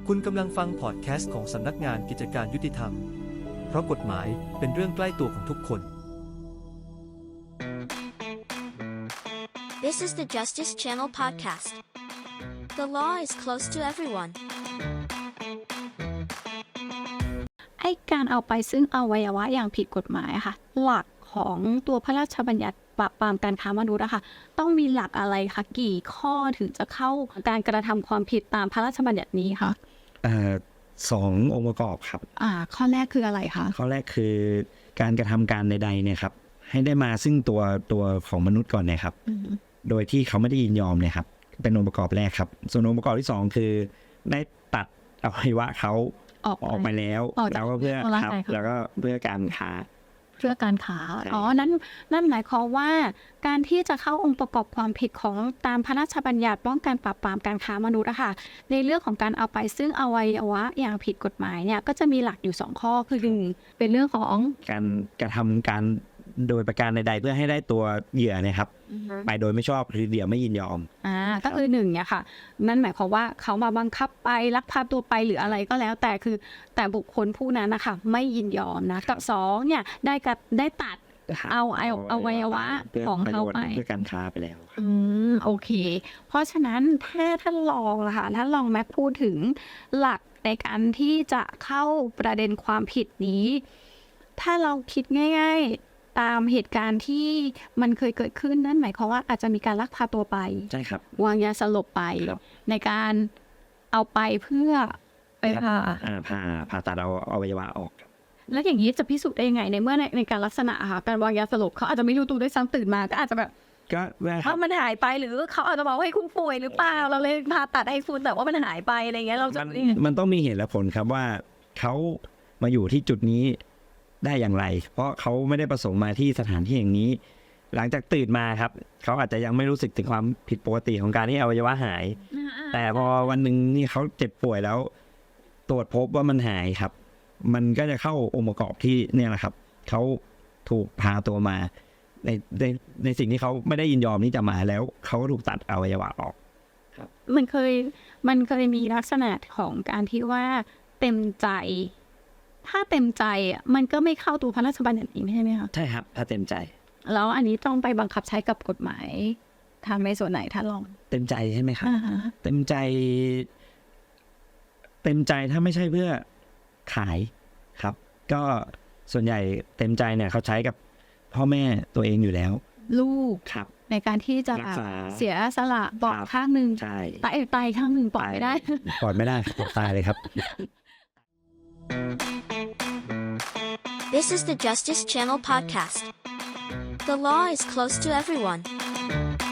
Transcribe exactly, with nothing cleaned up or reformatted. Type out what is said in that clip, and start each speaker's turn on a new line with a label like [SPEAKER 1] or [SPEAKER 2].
[SPEAKER 1] คุณกำลังฟังพอดแคสต์ของสำนักงานกิจการยุติธรรมเพราะกฎหมายเป็นเรื่องใกล้ตัวของทุกคน
[SPEAKER 2] This is the Justice Channel podcast. The law is close to everyone.
[SPEAKER 3] ไอ้การเอาไปซึ่งอวัยวะอย่างผิดกฎหมายค่ะหลักของตัวพระราชบัญญัติปราบปรามการค้ามนุษย์อะค่ะต้องมีหลักอะไรคะกี่ข้อถึงจะเข้าการกระทำความผิดตามพระราชบัญญัตินี้คะ
[SPEAKER 4] เอ่อสององค์ประกอบครับ
[SPEAKER 3] อ่าข้อแรกคืออะไรคะ
[SPEAKER 4] ข้อแรกคือการกระทำการใดๆเนี่ยครับให้ได้มาซึ่งตัวตัวของมนุษย์ก่อนเนี่ยครับโดยที่เขาไม่ได้ยินยอมเนี่ยครับเป็นองค์ประกอบแรกครับส่วนองค์ประกอบที่สองคือได้ตัดอวัยวะเขาออกออกไปแล้วแล้วก็เพื่อครับแล้วก็เพื่อการค้า
[SPEAKER 3] เพื่อการค้าอ๋อนั้นนั่นหมายความว่าการที่จะเข้าองค์ประกอบความผิดของตามพระราชบัญญัติป้องกันปราบปรามการค้ามนุษย์อะค่ะในเรื่องของการเอาไปซึ่งอวัยวะอย่างผิดกฎหมายเนี่ยก็จะมีหลักอยู่สองข้อคือหนึ่งเป็นเรื่องของ
[SPEAKER 4] การกระทำการโดยประการใดๆเพื่อให้ได้ตัวเหยื่อเนี่ยครับไปโดยไม่ชอบหรือเหยื่อไม่ยินยอม
[SPEAKER 3] อ่าก็คือหนึ่งเนี่ยค่ะนั่นหมายความว่าเขามาบังคับไปลักพาตัวไปหรืออะไรก็แล้วแต่คือแต่บุคคลผู้นั้นนะคะไม่ยินยอมนะกับสองเนี่ยได้กับได้ตัดเอาเอาเอาวัยวะของเขาไป
[SPEAKER 4] เพื่อการค้าไปแล้ว
[SPEAKER 3] อืมโอเคเพราะฉะนั้นถ้าท่านลองล่ะค่ะท่านลองแม็กพูดถึงหลักในการที่จะเข้าประเด็นความผิดนี้ถ้าเราคิดง่ายๆตามเหตุการณ์ที่มันเคยเกิดขึ้นนั่นหมายความว่าอาจจะมีการลักพาตัวไป
[SPEAKER 4] ใช่ครับ
[SPEAKER 3] วางยาสลบไปในการเอาไปเพื่อไปผ่า
[SPEAKER 4] ผ่าผ่าตัดเอาอวัยวะออก
[SPEAKER 3] แล้วอย่างนี้จะพิสูจน์ได้ยังไงในเมื่อในในการลักษณะค่ะการวางยาสลบเขาอาจจะไม่รู้ตัวด้วยซ้ำตื่นมาก็อาจจะแบบ
[SPEAKER 4] ก็
[SPEAKER 3] เพราะมันหายไปหรือเขาอาจจะบอกว่าให้คุณป่วยหรือเปล่าเราเลยผ่าตัดให้คุณแต่ว่ามันหายไปอะไรเงี้ยเราจะ
[SPEAKER 4] มันต้องมีเหตุและผลครับว่าเขามาอยู่ที่จุดนี้ได้อย่างไรเพราะเขาไม่ได้ประสงค์มาที่สถานที่อย่างนี้หลังจากตื่นมาครับเขาอาจจะยังไม่รู้สึกถึงความผิดปกติของการที่อวัยวะหายแต่พอวันหนึ่งนี่เขาเจ็บป่วยแล้วตรวจพบว่ามันหายครับมันก็จะเข้าองค์ประกอบที่เนี่ยแหละครับเขาถูกพาตัวมาในในในสิ่งที่เขาไม่ได้ยินยอมที่จะมาแล้วเขาก็ถูกตัดอวัยวะออก
[SPEAKER 3] ครับมันเคยมันเคยมีลักษณะของการที่ว่าเต็มใจถ้าเต็มใจอ่ะมันก็ไม่เข้าตัวพระราชบัญญัตินี้ใช่ไหมคะ
[SPEAKER 4] ใช่ครับถ้าเต็มใจ
[SPEAKER 3] แล้วอันนี้ต้องไปบังคับใช้กับกฎหมายทำในส่วนไหนถ้าลอง
[SPEAKER 4] เต็มใจใช่ไหมครับเต็มใจเต็มใจถ้าไม่ใช่เพื่อขายครับก็ส่วนใหญ่เต็มใจเนี่ยเขาใช้กับพ่อแม่ตัวเองอยู่แล้ว
[SPEAKER 3] ลูก
[SPEAKER 4] ครับ
[SPEAKER 3] ในการที่จะเสียสละปอดข้างหนึ่งตายตายข้างหนึ่งปอดไม่ได้
[SPEAKER 4] ปอดไม่ได้ตายเลยครับ
[SPEAKER 2] This is the Justice Channel podcast. The law is close to everyone.